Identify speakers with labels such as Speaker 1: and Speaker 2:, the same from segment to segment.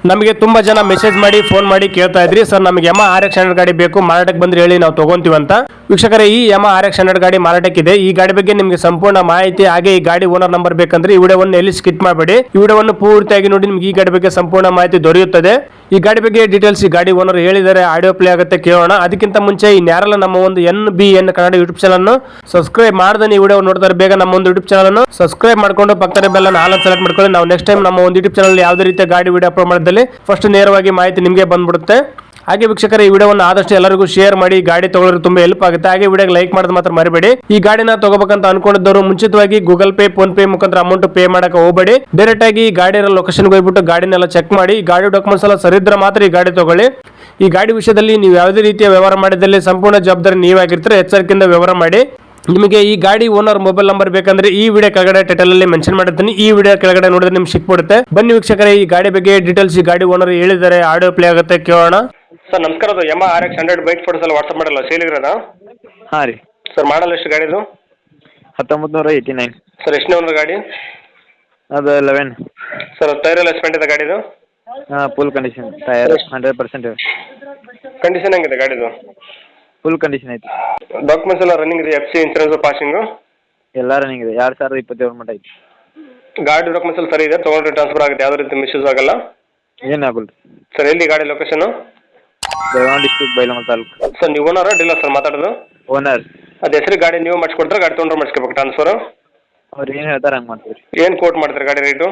Speaker 1: ನಮಗೆ ತುಂಬಾ ಜನ ಮೆಸೇಜ್ ಮಾಡಿ ಫೋನ್ ಮಾಡಿ ಕೇಳ್ತಾ ಇದ್ರಿ ಸರ್ ನಮಗೆ ಯಮ RX 100 ಗಾಡಿ ಬೇಕು ಮಾರಾಟಕ್ಕೆ ಬಂದ್ರೆ ಹೇಳಿ ನಾವು ತಗೊಂತೀವಿ ಅಂತ. ವೀಕ್ಷಕರೇ ಈ ಯಮ RX 100 ಗಾಡಿ ಮಾರಾಟಕ್ಕಿದೆ. ಈ ಗಾಡಿ ಬಗ್ಗೆ ನಿಮಗೆ ಸಂಪೂರ್ಣ ಮಾಹಿತಿ ಹಾಗೆ ಈ ಗಾಡಿ ಓನರ್ ನಂಬರ್ ಬೇಕಂದ್ರೆ ಈ ವಿಡಿಯೋವನ್ನು ಎಲ್ಲಿ ಸ್ಕಿಪ್ ಮಾಡಬೇಡಿ, ಈ ವಿಡಿಯೋವನ್ನು ಪೂರ್ತಿಯಾಗಿ ನೋಡಿ ನಿಮಗೆ ಈ ಗಾಡಿ ಬಗ್ಗೆ ಸಂಪೂರ್ಣ ಮಾಹಿತಿ ದೊರೆಯುತ್ತದೆ. ಈ ಗಾಡಿ ಬಗ್ಗೆ ಡೀಟೇಲ್ಸ್ ಈ ಗಾಡಿ ಓನರ್ ಹೇಳಿದರೆ ಆಡಿಯೋ ಪ್ಲೇ ಆಗುತ್ತೆ ಕೇಳೋಣ. ಅದಕ್ಕಿಂತ ಮುಂಚೆ ಈ ನ್ಯಾರಲ್ಲ ನಮ್ಮ ಒಂದು NBN ಕನ್ನಡ ಯೂಟ್ಯೂಬ್ ಚಾನಲ್ ಅನ್ನು ಸಬ್ಸ್ಕ್ರೈಬ್ ಮಾಡದೆ ಈ ವಿಡಿಯೋ ನೋಡ್ತಾರೆ ಬೇಗ ನಮ್ಮ ಒಂದು ಯೂಟ್ಯೂಬ್ ಚಾನಲ್ ಅನ್ನು ಸಬ್ಸ್ಕ್ರೈಬ್ ಮಾಡ್ಕೊಂಡು ಪಕ್ಕದ ಬೆಲ್ ಅನ್ನು ಆಲ್ ಸೆಲೆಕ್ಟ್ ಮಾಡ್ಕೊಳ್ಳಿ. ನಾವು ನೆಕ್ಸ್ಟ್ ಟೈಮ್ ನಮ್ಮ ಒಂದು ಯೂಟ್ಯೂಬ್ ಚಾನಲ್ ಯಾವುದೇ ರೀತಿಯ ಗಾಡಿ ವಿಡಿಯೋ ಅಪ್ಲೋಡ್ ಮಾಡಿದಲ್ಲಿ ಫಸ್ಟ್ ನೇರವಾಗಿ ಮಾಹಿತಿ ನಿಮಗೆ ಬಂದ್ಬಿಡುತ್ತೆ. ಹಾಗೆ ವೀಕ್ಷಕರೇ ಈ ವಿಡಿಯೋವನ್ನು ಆದಷ್ಟು ಎಲ್ಲರಿಗೂ ಶೇರ್ ಮಾಡಿ, ಗಾಡಿ ತಗೊಳ್ಳೋರು ತುಂಬಾ ಹೆಲ್ಪ್ ಆಗುತ್ತೆ. ಹಾಗೆ ವಿಡಿಯೋಗೆ ಲೈಕ್ ಮಾಡೋದು ಮಾತ್ರ ಮರಿಬೇಡಿ. ಈ ಗಾಡಿನ ತಗೋಬೇಕಂತ ಅನ್ಕೊಂಡಿದ್ದವರು ಮುಂಚಿತವಾಗಿ ಗೂಗಲ್ ಪೇ ಫೋನ್ ಪೇ ಮುಖಾಂತರ ಅಮೌಂಟ್ ಪೇ ಮಾಡಕ್ಕೆ ಹೋಗಬೇಡಿ. ಡೈರೆಕ್ಟ್ ಆಗಿ ಈ ಗಾಡಿ ಲೊಕೇಶನ್ಗೆ ಹೋಗ್ಬಿಟ್ಟು ಗಾಡಿನೆಲ್ಲ ಚೆಕ್ ಮಾಡಿ, ಗಾಡಿ ಡಾಕ್ಯುಮೆಂಟ್ಸ್ ಎಲ್ಲ ಸರಿದ್ರೆ ಮಾತ್ರ ಈ ಗಾಡಿ ತಗೊಳ್ಳಿ. ಈ ಗಾಡಿ ವಿಷಯದಲ್ಲಿ ನೀವು ಯಾವುದೇ ರೀತಿಯ ವ್ಯವಹಾರ ಮಾಡಿದಲ್ಲಿ ಸಂಪೂರ್ಣ ಜವಾಬ್ದಾರಿ ನೀವಾಗಿರ್ತೀರ, ಎಚ್ಚರಿಕೆಯಿಂದ ವ್ಯವಹಾರ ಮಾಡಿ. ನಿಮಗೆ ಈ ಗಾಡಿ ಓನರ್ ಮೊಬೈಲ್ ನಂಬರ್ ಬೇಕಂದ್ರೆ ಈ ವಿಡಿಯೋ ಕೆಳಗಡೆ ಟೈಟಲ್ ಅಲ್ಲಿ ಮೆನ್ಷನ್ ಮಾಡಿರ್ತೀನಿ, ಈ ವಿಡಿಯೋ ಕೆಳಗಡೆ ನೋಡಿದ್ರೆ ನಿಮ್ಗೆ ಸಿಕ್ಬಿಡುತ್ತೆ. ಬನ್ನಿ ವೀಕ್ಷಕರೇ ಈ ಗಾಡಿ ಬಗ್ಗೆ ಡೀಟೇಲ್ಸ್ ಈ ಗಾಡಿ ಓನರ್ ಹೇಳಿದ್ದಾರೆ, ಆಡಿಯೋ ಪ್ಲೇ ಆಗುತ್ತೆ ಕೇಳೋಣ. ಸರ್ ನಮಸ್ಕಾರ, ಅದು ಯಮ RX 100 ಬೈಕ್ ಫೋಟೋಸ್ ಎಲ್ಲ ವಾಟ್ಸಪ್ ಮಾಡಲ್ಲ ಸೇಲಿಗ್ರದ?
Speaker 2: ಹಾಂ ರೀ
Speaker 1: ಸರ್ ಮಾಡಲ್ಲ ಎಷ್ಟು ಗಾಡಿದು?
Speaker 2: 1989
Speaker 1: ಸರ್ ಎಷ್ಟನೇ ಓನರ್ ಗಾಡಿ?
Speaker 2: ಅದು 11.
Speaker 1: ಸರ್ ಟೈರ್ ಎಲ್ಲ ಎಸ್ಪೆಂಟ್ ಇದೆ ಗಾಡಿದು?
Speaker 2: ಹಾಂ ಫುಲ್ ಕಂಡೀಷನ್, ಟಯರ್ 100%
Speaker 1: ಕಂಡೀಷನ್ ಹೆಂಗಿದೆ ಗಾಡಿದು?
Speaker 2: ಫುಲ್ ಕಂಡೀಷನ್ ಐತಿ.
Speaker 1: ಡಾಕ್ಯುಮೆಂಟ್ಸ್ ಎಲ್ಲ ರನ್ನಿಂಗ್ ಇದೆ, FC ಇನ್ಸೂರೆನ್ಸ್ ಪಾಸಿಂಗು
Speaker 2: ಎಲ್ಲ ರನ್ನಿಂಗ್ ಇದೆ. 2027 ಮಟ್ಟ ಐತಿ.
Speaker 1: ಗಾಡಿ ಡಾಕ್ಯುಮೆಂಟ್ಸ್ ಎಲ್ಲ ಸರಿ ಇದೆ, ತೊಗೊಂಡ್ರೆ ಟ್ರಾನ್ಸ್ಫರ್ ಆಗುತ್ತೆ, ಯಾವುದೇ ರೀತಿ ಮಿಸ್ಯೂಸ್ ಆಗಲ್ಲ?
Speaker 2: ಏನಾಗಲ್ಲ
Speaker 1: ಸರ್ ಎಲ್ಲಿ ಗಾಡಿ ಲೊಕೇಶನ್?
Speaker 2: ಬೆಳಗಾವಿ ಡಿಸ್ಟ್ರಿಕ್ಟ್ ಬೈಲಹೊಂಗಲ ತಾಲೂಕು.
Speaker 1: ಸರ್ ನೀವು ಓನರ್ ಡೀಲರ್ ಸರ್ ಮಾತಾಡೋದು?
Speaker 2: ಓನರ್.
Speaker 1: ಅದು ಹೆಸರು ಗಾಡಿ ನೀವು ಮಾಡಿಸ್ಕೊಡ್ತಾರೆ, ಗಾಡಿ ತೊಗೊಂಡ್ರೆ ಮಾಡಿಸ್ಕೋಬೇಕು ಟ್ರಾನ್ಸ್ಫರ್?
Speaker 2: ಅವ್ರು ಏನು ಹೇಳ್ತಾರೆ ಹಂಗೆ ಮಾಡ್ತೀವಿ ರೀ.
Speaker 1: ಏನು ಕೋಟ್ ಮಾಡ್ತಾರೆ ಗಾಡಿ ರೇಟು?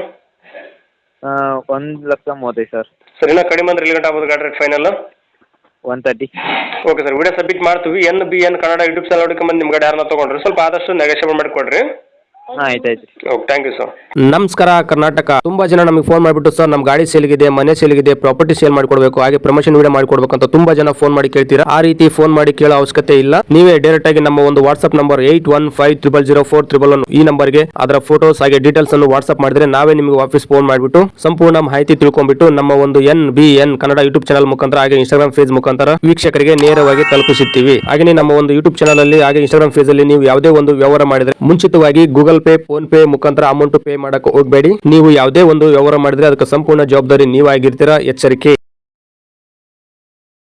Speaker 2: 1,35,000 ಸರ್.
Speaker 1: ಸರ್ ಇನ್ನೂ ಕಡಿಮೆ ಅಂದ್ರೆ ಎಲ್ಲಿ ಗಂಟೆ ಆಗ್ಬೋದು ಗಾಡಿ rate final?
Speaker 2: 130.
Speaker 1: Okay sir, video submit ಮಾಡ್ತೀವಿ. NBN ಕನ್ನಡ ಯೂಟ್ಯೂಬ್ ಚಾನಲ್ ಹುಡುಕೊಂಬಂದು ನಿಮ್ಮ ಗಾಡಿ ಯಾರನ್ನ ತೊಗೊಂಡ್ರಿ ಸ್ವಲ್ಪ ಆದಷ್ಟು ನೆಗೋಷಿಯೇಟ್ ಮಾಡಿಕೊಡ್ರಿ.
Speaker 2: ಹಾಂ ಆಯ್ತು.
Speaker 1: Okay thank you sir.
Speaker 3: ನಮಸ್ಕಾರ ಕರ್ನಾಟಕ. ತುಂಬಾ ಜನ ನಮಗೆ ಫೋನ್ ಮಾಡಿಬಿಟ್ಟು ಸರ್ ನಮ್ಮ ಗಾಡಿ ಸೇಲ್ಗಿದೆ, ಮನೆ ಸೇಲ್ಗಿದೆ, ಪ್ರಾಪರ್ಟಿ ಸೇಲ್ ಮಾಡ್ಕೊಡ್ಬೇಕು, ಹಾಗೆ ಪ್ರಮೋಷನ್ ವಿಡಿಯೋ ಮಾಡ್ಕೊಡ್ಬೇಕು ಅಂತ ತುಂಬಾ ಜನ ಫೋನ್ ಮಾಡಿ ಕೇಳ್ತೀರಾ. ಆ ರೀತಿ ಫೋನ್ ಮಾಡಿ ಕೇಳೋ ಅವಶ್ಯಕತೆ ಇಲ್ಲ. ನೀವೇ ಡೈರೆಕ್ಟ್ ಆಗಿ ನಮ್ಮ ಒಂದು ವಾಟ್ಸ್ಆಪ್ ನಂಬರ್ 81500411 ಈ ನಂಬರ್ಗೆ ಅದರ ಫೋಟೋಸ್ ಹಾಗೆ ಡೀಟೇಲ್ಸ್ ಅನ್ನು ವಾಟ್ಸ್ಆಪ್ ಮಾಡಿದ್ರೆ ನಾವೇ ನಿಮಗೆ ವಾಪಸ್ ಫೋನ್ ಮಾಡಿಬಿಟ್ಟು ಸಂಪೂರ್ಣ ಮಾಹಿತಿ ತಿಳ್ಕೊಂಡ್ಬಿಟ್ಟು ನಮ್ಮ ಒಂದು NBN ಕನ್ನಡ ಯೂಟ್ಯೂಬ್ ಚಾನಲ್ ಮುಖಾಂತರ ಹಾಗೆ ಇನ್ಸ್ಟಾಗ್ರಾಮ್ ಪೇಜ್ ಮುಖಾಂತರ ವೀಕ್ಷಕರಿಗೆ ನೇರವಾಗಿ ತಲುಪಿಸುತ್ತೀವಿ. ಹಾಗೆ ನಮ್ಮ ಒಂದು ಯೂಟ್ಯೂಬ್ ಚಾನಲ್ ಅಲ್ಲಿ ಹಾಗೆ ಇನ್ಸ್ಟಾಗ್ರಾಮ್ ಪೇಜ್ ಅಲ್ಲಿ ನೀವು ಯಾವುದೇ ಒಂದು ವ್ಯವಹಾರ ಮಾಡಿದ್ರೆ ಮುಂಚಿತವಾಗಿ ಗೂಗಲ್ ಪೇ ಫೋನ್ ಪೇ ಮುಖಾಂತರ ಅಮೌಂಟ್ ಪೇ ಮಾಡಕ್ಕೆ ಹೋಗಬೇಡಿ. ನೀವು ಯಾವುದೇ ಒಂದು ವ್ಯವಹಾರ ಮಾಡಿದ್ರೆ ಅದಕ್ಕೆ ಸಂಪೂರ್ಣ ಜವಾಬ್ದಾರಿ ನೀವಾಗಿರ್ತೀರಾ, ಎಚ್ಚರಿಕೆ.